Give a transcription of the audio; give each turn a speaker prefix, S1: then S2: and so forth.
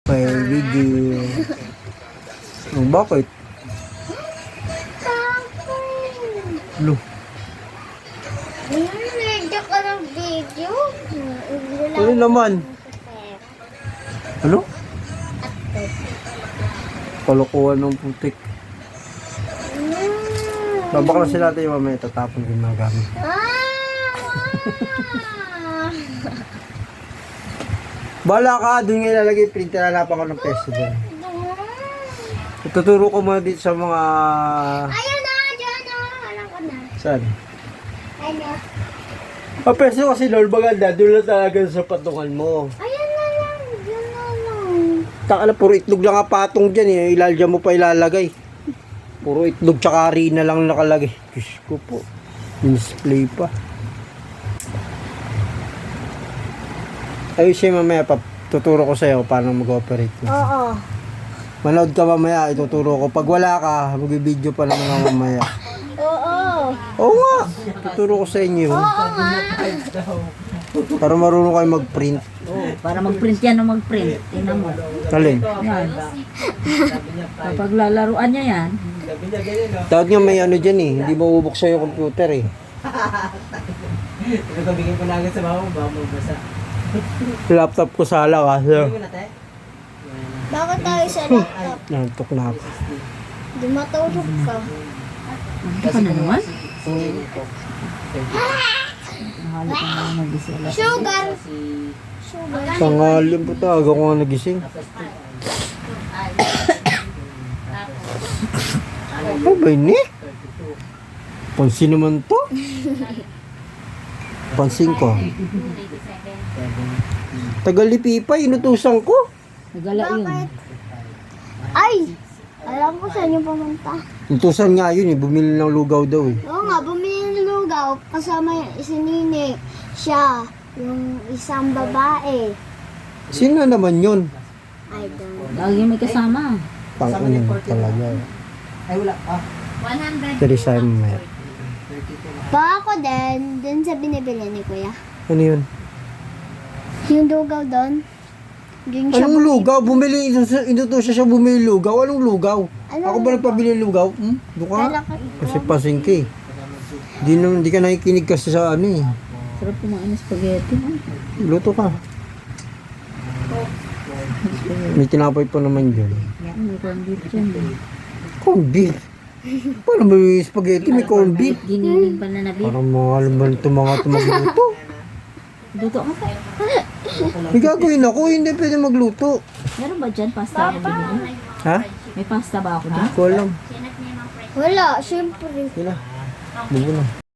S1: Okay, video. Oh, bakit? Lo.
S2: Medyo ka ng video.
S1: Ano naman? Ano? Kalokohan ng putik. Babakla sila tayo mamaya tatapon yung mga gamit. Bala ka, doon nga ilalagay printer, hanapan ko ng peso doon. Ituturo ko muna dito sa mga...
S2: Ayun na, dyan na. Alam ko na.
S1: Saan?
S2: Ano?
S1: Ah, peso kasi lol, maganda, doon lang talaga sa patungan mo.
S2: Ayun na lang. Dyan na lang.
S1: Takala, puro itlog lang ang patong dyan eh. Ilalagyan mo pa ilalagay. Puro itlog tsaka harina lang nakalagay. Diyos ko po. Display pa. Ayun siya mamaya pa. Tuturo ko sa'yo paano mag-operate mo.
S2: Oo.
S1: Manood ka mamaya, ituturo ko. Pag wala ka, mag-video pa lang nga mamaya.
S2: Oo.
S1: Oo nga. Tuturo ko sa inyo.
S2: Oo nga.
S1: Para marunong kayo mag-print.
S3: Para mag-print yan o mag-print. Tingnan mo.
S1: Alin?
S3: Yan. Kapag lalaruan niya yan,
S1: Tawag nga may ano dyan eh. Hindi mabubuksan yung computer eh.
S4: Nagkabigyan ko na agad sa bawang, baka mabasa.
S1: Laptop ko sala kasi.
S4: Hindi mo na tayo?
S2: Bakit tayo sa laptop?
S1: Nantok na ako.
S2: Di matulog ka.
S3: ano ka na naman? Nahalap ko na mag-isa.
S2: Sugar.
S4: Si...
S2: Sugar.
S1: Tangalim po talaga ko nga nagising. Ano ba yun eh? Pansin naman to? Pansin ko. Tagalipi pa, inutusan ko.
S3: Nagala yun.
S2: Bakit? Ay! Alam ko saan yung pumunta.
S1: Inutusan nga yun eh, bumili ng lugaw daw eh.
S2: Oo nga, bumili ng lugaw. Kasama yung isinini. Siya. Yung isang babae.
S1: Sino naman yun?
S2: I don't.
S3: Lagi may kasama.
S1: Pang-unin talaga.
S4: Ay, wala. Ah,
S1: Teresa mamaya.
S2: Baka ako din, dun sa binibili ni Kuya.
S1: Ano yun?
S2: Yung lugaw doon. Yung siya.
S1: Anong lugaw? Bumili, inutusan siya bumili lugaw. Anong lugaw?
S2: Ano?
S1: Ako ba nagpabili lugaw? Doon ka?
S2: Kala ko
S1: Kasi pasing ka eh. Di ka nakikinig kasi sa ano eh.
S3: Sarap kumain ng spaghetti.
S1: Luto ka. May tinapay pa naman dyan.
S3: May corned beef dyan.
S1: Corned beef? Paano may spaghetti? May corned beef?
S3: Giniling pa na beef.
S1: Parang mga alam ba ito mga magluto?
S3: Luto ka pa.
S1: May gagawin ako, hindi pwede magluto.
S3: Meron ba dyan pasta ako binili?
S1: Ha?
S3: May pasta ba ako dyan?
S1: Ko alam.
S2: wala, syempre.
S1: Sila. Bugo na.